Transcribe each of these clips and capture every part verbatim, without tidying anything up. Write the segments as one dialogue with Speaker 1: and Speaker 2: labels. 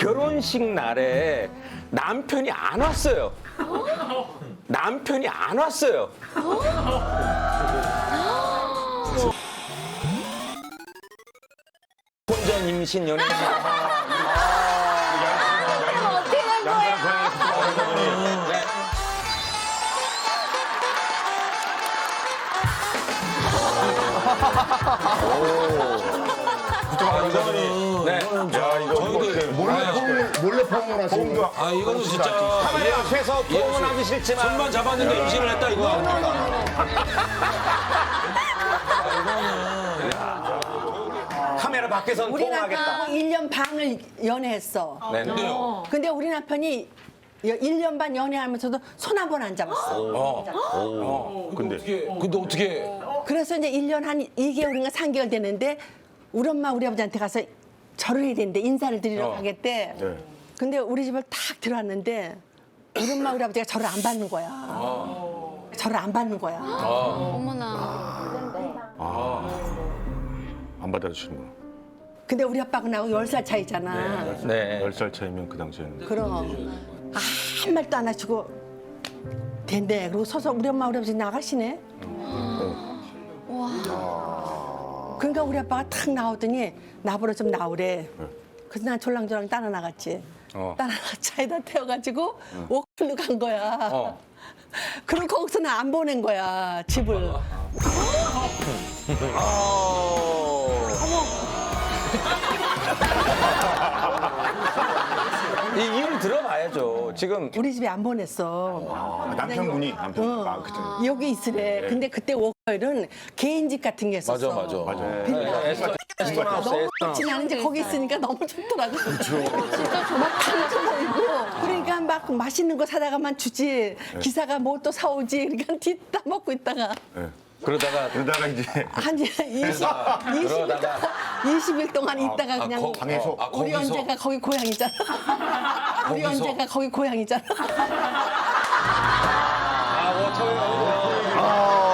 Speaker 1: 결혼식 날에 남편이 안 왔어요. 남편이 안 왔어요. 혼전 임신 연애.
Speaker 2: 어떻게 된 거야?
Speaker 3: 이거는
Speaker 1: 네.
Speaker 3: 야 이거
Speaker 4: 저희도
Speaker 3: 몰래
Speaker 4: 아,
Speaker 3: 몰래 포옹을 하시는 거.
Speaker 4: 아 이거는 진짜
Speaker 1: 카메라 앞에서 포옹은 하기 싫지만
Speaker 4: 손만 잡았는데 임신을 했다 이거.
Speaker 1: 카메라 밖에선
Speaker 5: 우리
Speaker 1: 포옹하겠다.
Speaker 5: 남편하고 일 년 반을 연애했어.
Speaker 1: 네.
Speaker 4: 근데요.
Speaker 5: 근데 우리 남편이 일 년 반 연애하면서도 손 한 번 안 잡았어.
Speaker 3: 근데
Speaker 4: 어떻게 근데 어떻게
Speaker 5: 그래서 이제 일 년 한 이 개월인가 삼 개월 됐는데 우리 엄마 우리 아버지한테 가서 절을 해야 되는데 인사를 드리러 가겠대.
Speaker 3: 네.
Speaker 5: 근데 우리 집을 탁 들어왔는데 우리 엄마 우리 아버지가 절을 안 받는 거야. 절을 안 받는 거야.
Speaker 2: 어머나.
Speaker 3: 안 받아주시는구나.
Speaker 5: 근데 우리 아빠하고 나하고 열 살 차이잖아.
Speaker 1: 네.
Speaker 3: 열 살 차이면 그 당시에는.
Speaker 5: 그럼 아무 말도 안 하시고 된대. 그리고 서서 우리 엄마 우리 아버지 나가시네. 그러니까 우리 아빠가 탁 나오더니 나보러 좀 나오래. 그래서 난 졸랑졸랑 따라 나갔지.
Speaker 1: 어.
Speaker 5: 따라 차에다 태워가지고 워클로 간 거야.
Speaker 1: 어.
Speaker 5: 그리고 거기서는 안 보낸 거야 집을.
Speaker 1: 이 일을 들어봐야죠. 지금
Speaker 5: 우리 집에 안 보냈어.
Speaker 3: 아, 남편분이 남편. 아 그때.
Speaker 5: 여기 있으래. 근데 그때 워커일은 개인 집 같은 게 있었어.
Speaker 4: 맞아 맞아.
Speaker 3: 맞아요.
Speaker 1: 에스터 에스토나우스
Speaker 5: 너무
Speaker 1: 에스토나우스.
Speaker 5: 좋진 않은데 거기 있으니까 너무 좋더라고. 진짜 정말 탕도 보이고. 그러니까 막 맛있는 거 사다가만 주지. 기사가 뭐 또 사오지. 그러니까 뒤따 먹고 있다가
Speaker 3: 네.
Speaker 1: 그러다가
Speaker 3: 그러다가 이제
Speaker 5: 한 이십, 이십,
Speaker 1: 그러다가
Speaker 5: 이십 일 동안 있다가
Speaker 4: 아,
Speaker 5: 그냥
Speaker 4: 거-
Speaker 3: 방에서
Speaker 4: 아,
Speaker 5: 우리
Speaker 4: 거기서?
Speaker 5: 언제가 거기 고향이잖아. 우리
Speaker 4: 거기서?
Speaker 5: 언제가 거기 고향이잖아.
Speaker 1: 아 워터웨어.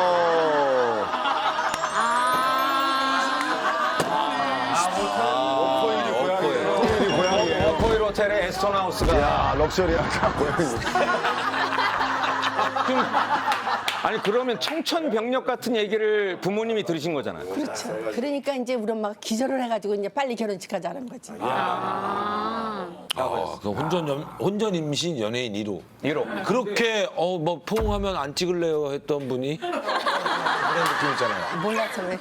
Speaker 3: 코일이 고향이에요. 코일이 고향이에요.
Speaker 1: 워터웨어 호텔의 에스토나우스가
Speaker 3: 야 럭셔리하다 고향이.
Speaker 1: 좀 아니 그러면 청천벽력 같은 얘기를 부모님이 들으신 거잖아요.
Speaker 5: 그렇죠. 그러니까 이제 우리 엄마가 기절을 해가지고 이제 빨리 결혼식 하자는 거지.
Speaker 4: 아, 그 혼전 연, 혼전 임신 연예인 일 호.
Speaker 1: 이로.
Speaker 4: 그렇게 어 뭐 포옹하면 안 찍을래요 했던 분이 그런 느낌 있잖아요.
Speaker 5: 몰라서 왜.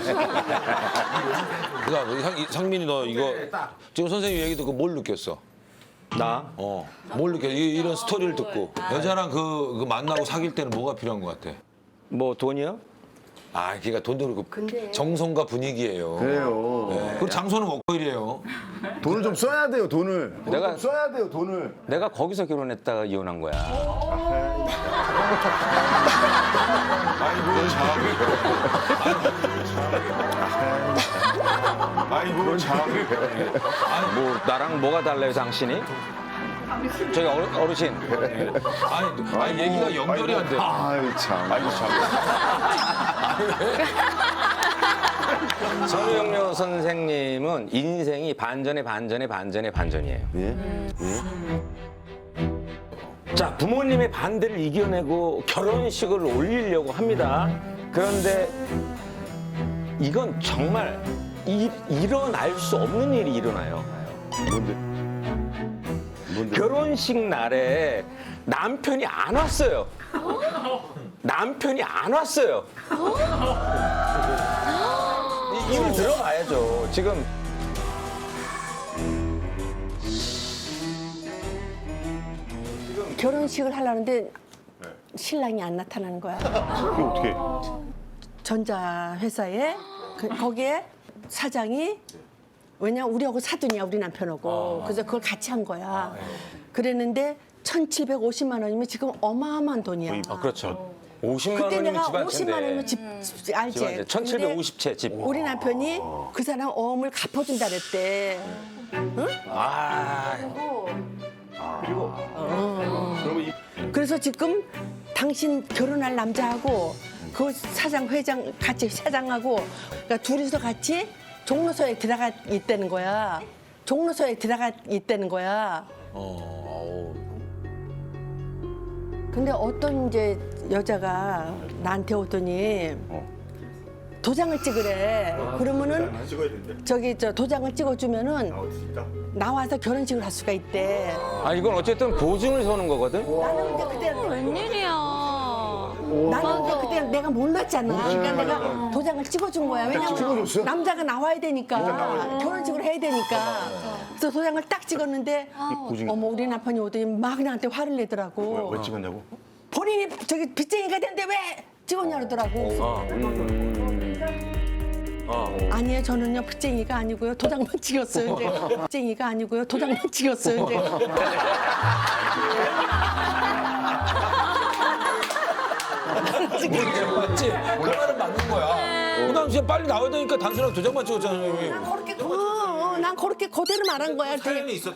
Speaker 4: 그러니까 상, 상민이 너 이거 지금 선생님 얘기 듣고 뭘 느꼈어?
Speaker 1: 나
Speaker 4: 어, 뭘 느꼈어? 이, 이런 스토리를 듣고 여자랑 그, 그 만나고 사귈 때는 뭐가 필요한 것 같아?
Speaker 1: 뭐 돈이요?
Speaker 4: 아, 그러니까 돈도 그렇고
Speaker 5: 근데-
Speaker 4: 정성과 분위기예요.
Speaker 3: 그래요.
Speaker 4: 네. 그리고 장소는 워커힐이에요.
Speaker 3: 돈을 좀 써야 돼요. 돈을. 돈을
Speaker 1: 내가-
Speaker 3: 좀 써야 돼요. 돈을.
Speaker 1: 내가 거기서 결혼했다가 이혼한 거야.
Speaker 3: 아이고 참. 아이고 참.
Speaker 1: 뭐 나랑 뭐가 달라요, 당신이? 저기 어르, 어르신.
Speaker 4: 아니, 아니 얘기가 연결이 안 돼.
Speaker 3: 아이 참. 아이고 참.
Speaker 1: 선우영료 선생님은 인생이 반전에 반전에 반전에 반전이에요.
Speaker 3: 예?
Speaker 1: 자, 부모님의 반대를 이겨내고 결혼식을 올리려고 합니다. 그런데 이건 정말 이, 일어날 수 없는 일이 일어나요.
Speaker 3: 뭔데? 뭔데?
Speaker 1: 결혼식 날에 남편이 안 왔어요. 남편이 안 왔어요. 이 일을 들어봐야죠. 지금
Speaker 5: 결혼식을 하려는데 신랑이 안 나타나는 거야.
Speaker 3: 그게 어떻게?
Speaker 5: 전자회사에 그, 거기에 사장이 왜냐면 우리하고 사돈이야 우리 남편하고 그래서 그걸 같이 한 거야. 그랬는데 천칠백오십만 원이면 지금 어마어마한 돈이야.
Speaker 1: 아, 그렇죠. 오십만
Speaker 5: 그때
Speaker 1: 원이면
Speaker 5: 내가
Speaker 1: 집안
Speaker 5: 오십만 원이면 집, 집 알지?
Speaker 1: 집안 채. 천칠백오십 채 집.
Speaker 5: 근데 우리 남편이 그 사람 어음을 갚아준다 그랬대.
Speaker 1: 아,
Speaker 5: 그래서 지금 당신 결혼할 남자하고 그 사장 회장 같이 사장하고 그러니까 둘이서 같이 종로서에 들어가 있다는 거야. 종로서에 들어가 있다는 거야.
Speaker 4: 어,
Speaker 5: 근데 어떤 이제 여자가 나한테 오더니 도장을 찍으래. 그러면은 저기 저 도장을 찍어주면은 나와서 결혼식을 할 수가 있대.
Speaker 1: 아 이건 어쨌든 보증을 서는 거거든.
Speaker 5: 나는 근데 그때
Speaker 2: 웬일이야.
Speaker 5: 나는 근데 그때 내가 몰랐잖아. 그러니까 내가 도장을 찍어준 거야. 왜냐면 남자가 나와야 되니까 결혼식을 해야 되니까. 그래서 도장을 딱 찍었는데 어머 우리 남편이 오더니 막 나한테 화를 내더라고.
Speaker 3: 왜 찍었냐고?
Speaker 5: 본인이 저기 빚쟁이가 됐는데 왜 찍었냐 그러더라고. 아니에요, 저는요 빚쟁이가 아니고요 도장만 찍었어요. 이제 빚쟁이가 아니고요 도장만 찍었어요. 이제
Speaker 4: 맞지? 그 말은 맞는 거야. 그 당시에 빨리 나와야 되니까 단순하게 도장만 찍었잖아요, 형님.
Speaker 5: 그렇게 어, 어, 난 그렇게 그대로 말한 거야.
Speaker 4: 사연이 있었.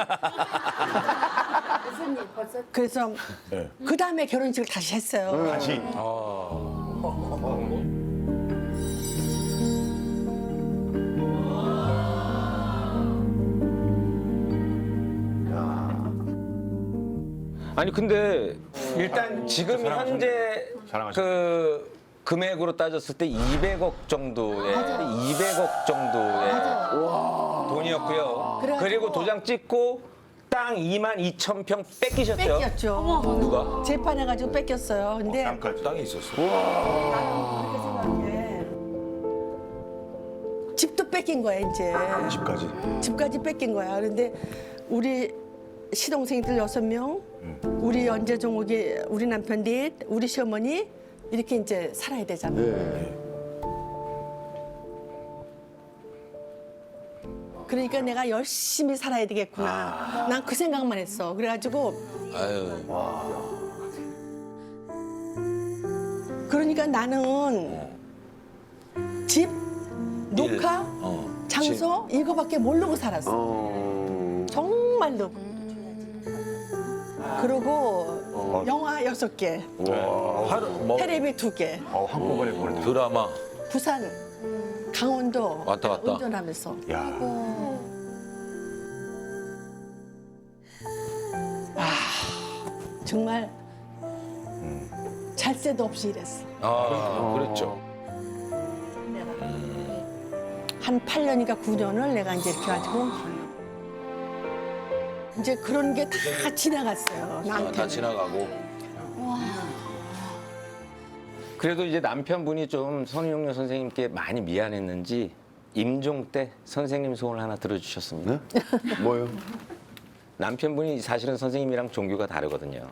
Speaker 5: 그래서 그 다음에 결혼식을 다시 했어요.
Speaker 3: 다시.
Speaker 1: 아니 근데 일단 지금 현재
Speaker 3: 사랑하시네.
Speaker 1: 그 금액으로 따졌을 때 이백억 정도의 이백억 정도의 돈이었고요.
Speaker 5: 그래가지고-
Speaker 1: 그리고 도장 찍고 땅 이만 이천 평 뺏기셨죠?
Speaker 5: 뺏겼죠.
Speaker 4: 누가?
Speaker 5: 재판해가지고 뺏겼어요. 근데
Speaker 3: 땅까지.
Speaker 4: 땅이 있었어.
Speaker 5: 예. 집도 뺏긴 거야 이제.
Speaker 3: 집까지.
Speaker 5: 집까지 뺏긴 거야. 그런데 우리 시동생들 여섯 명, 우리 연재종옥이 우리 남편 넷, 우리 시어머니 이렇게 이제 살아야 되잖아. 그러니까 내가 열심히 살아야 되겠구나. 난 그 생각만 했어. 그래가지고
Speaker 4: 아유.
Speaker 5: 그러니까 나는 집, 녹화,
Speaker 4: 어.
Speaker 5: 장소 이거밖에 모르고 살았어. 정말로. 그리고 영화 여섯 개,
Speaker 4: 하루 뭐
Speaker 5: 테레비 두 개,
Speaker 3: 어, 한꺼번에 보냈다.
Speaker 4: 드라마.
Speaker 5: 부산, 강원도
Speaker 4: 왔다 갔다.
Speaker 5: 운전하면서.
Speaker 3: 야.
Speaker 5: 정말 잘 새도 없이 일했어.
Speaker 4: 아, 그랬죠.
Speaker 5: 한 팔 년인가 구 년을 내가 이제 이렇게 가지고 이제 그런 게 다 지나갔어요.
Speaker 4: 아,
Speaker 5: 나한테.
Speaker 4: 다 지나가고.
Speaker 1: 그래도 이제 남편분이 좀 선우용료 선생님께 많이 미안했는지 임종 때 선생님 소원을 하나 들어주셨습니다.
Speaker 3: 뭐요?
Speaker 1: 남편분이 사실은 선생님이랑 종교가 다르거든요.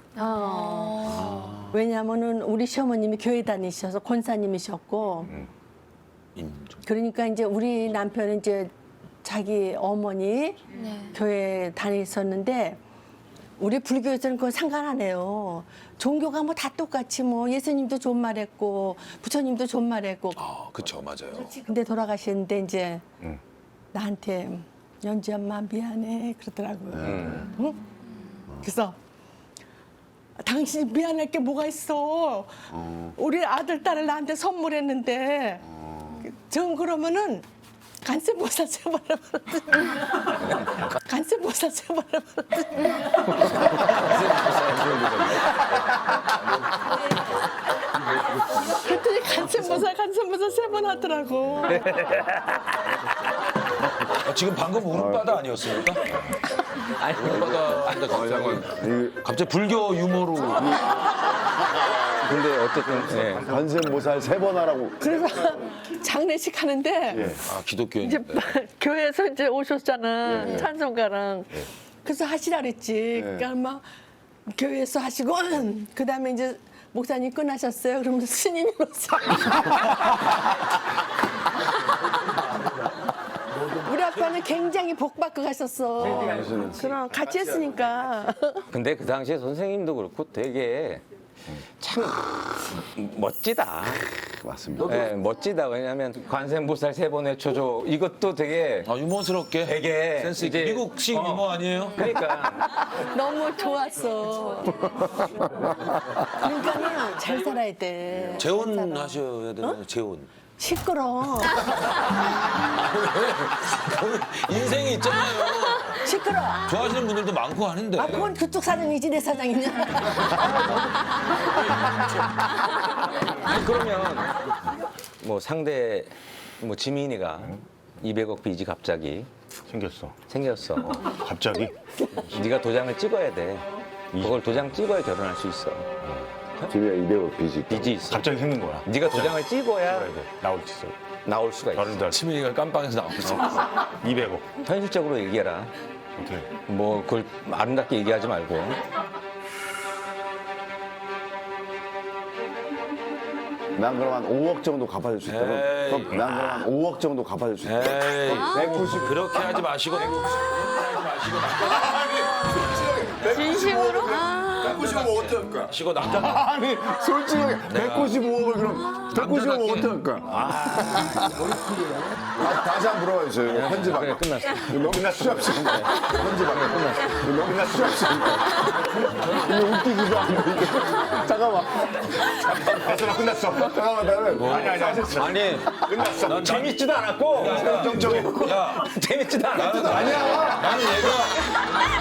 Speaker 5: 왜냐하면은 우리 시어머님이 교회 다니셔서 권사님이셨고,
Speaker 4: 임종.
Speaker 5: 그러니까 이제 우리 남편은 이제 자기 어머니
Speaker 2: 네.
Speaker 5: 교회 다니셨는데 우리 불교에서는 그건 상관 안 해요. 종교가 뭐 다 똑같이 뭐 예수님도 존말했고 부처님도 존말했고.
Speaker 4: 아, 그쵸, 맞아요.
Speaker 5: 근데 돌아가시는데 이제 나한테 연지 엄마 미안해 그러더라고요. 응? 그래서 당신이 미안할 게 뭐가 있어? 우리 아들 딸을 나한테 선물했는데 전 그러면은 간세보살 세번 해버렸더니 간세보살 세번 해버렸더니 그랬더니 간세보살 간세보살 세 번 하더라고.
Speaker 4: 아, 지금 방금 울음바다 아니었습니까?
Speaker 1: 아니,
Speaker 4: 울음바다 하는데 갑자기, 갑자기 불교 유머로.
Speaker 1: 근데 어쨌든 예.
Speaker 3: 관세모살 세 번 하라고.
Speaker 5: 그래서 장례식 하는데
Speaker 4: 아, 기독교인.
Speaker 5: 이제 교회에서 이제 오셨잖아 찬송가랑 그래서 하시라 그랬지. 그러니까 막 교회에서 하시고 그 다음에 이제 목사님 끝나셨어요. 그러면서 스님이 오세요. 우리 아빠는 굉장히 복 받고 가셨어. 그럼 같이 했으니까.
Speaker 1: 근데 그 당시에 선생님도 그렇고 되게 참 멋지다.
Speaker 3: 맞습니다.
Speaker 1: 예, 멋지다. 왜냐하면 관세음보살 세 번의 초조 이것도 되게
Speaker 4: 아, 유머스럽게.
Speaker 1: 되게
Speaker 4: 센스 있게.
Speaker 1: 이제-
Speaker 4: 미국식
Speaker 1: 어.
Speaker 4: 유머 아니에요?
Speaker 1: 그러니까
Speaker 5: 너무 좋았어. 그러니까는 잘 살아야 돼. 잘
Speaker 4: 재혼
Speaker 5: 살아.
Speaker 4: 하셔야 되나요? 재혼.
Speaker 5: 시끄러.
Speaker 4: 인생이 있잖아요.
Speaker 5: 시끄러.
Speaker 4: 좋아하시는 분들도 많고 하는데.
Speaker 5: 아, 그건 그쪽 사장이지 내 사장이냐.
Speaker 1: 아니, 그러면 뭐 상대 뭐 지민이가 이백억 빚이 갑자기
Speaker 6: 생겼어.
Speaker 1: 생겼어.
Speaker 6: 갑자기?
Speaker 1: 네가 도장을 찍어야 돼. 그걸 도장 찍어야 결혼할 수 있어.
Speaker 3: 집에 이백억 빚이 있다.
Speaker 1: 빚이 있어.
Speaker 6: 갑자기 생긴 거야.
Speaker 1: 네가 도장을 찍어야
Speaker 6: 그래야 돼. 나올 수 있어.
Speaker 1: 나올 수가 있어.
Speaker 6: 다른 달
Speaker 4: 치민이가 깜빵에서 나오고 있어.
Speaker 6: 이백억.
Speaker 1: 현실적으로 얘기해라.
Speaker 6: 어떻게?
Speaker 1: 뭐 그걸 아름답게 얘기하지 말고.
Speaker 3: 난 그럼 한 오억 정도 갚아줄 수 있다. 그럼,
Speaker 4: 에이.
Speaker 3: 그럼 난 그럼 한 오억 정도 갚아줄 수 있다.
Speaker 4: 에이,
Speaker 3: 백구십.
Speaker 4: 그렇게 하지 마시고.
Speaker 2: 진심으로?
Speaker 3: 백구십오 어떻게 할까?
Speaker 4: 마시고 남자.
Speaker 3: 아니 솔직하게 백구십오억을 그럼 백구십오억 어떻게 할까? 아, 다시 한 번 물어봐주세요. 이거 편집하고.
Speaker 1: 그래, 끝났어.
Speaker 3: 이거 너무 끝났어. 편집하고. 끝났어. 이거 너무 끝났어. 이거 웃기기도 하고. 이거. 잠깐만.
Speaker 6: 됐어, 끝났어.
Speaker 3: 잠깐만 나는.
Speaker 6: 아니, 아니, 아니.
Speaker 1: 아니
Speaker 6: 끝났어.
Speaker 1: 난 재밌지도 않았고
Speaker 6: 정정해.
Speaker 4: 야,
Speaker 1: 재밌지도 않았고
Speaker 4: 나는 아니야. 나는 얘가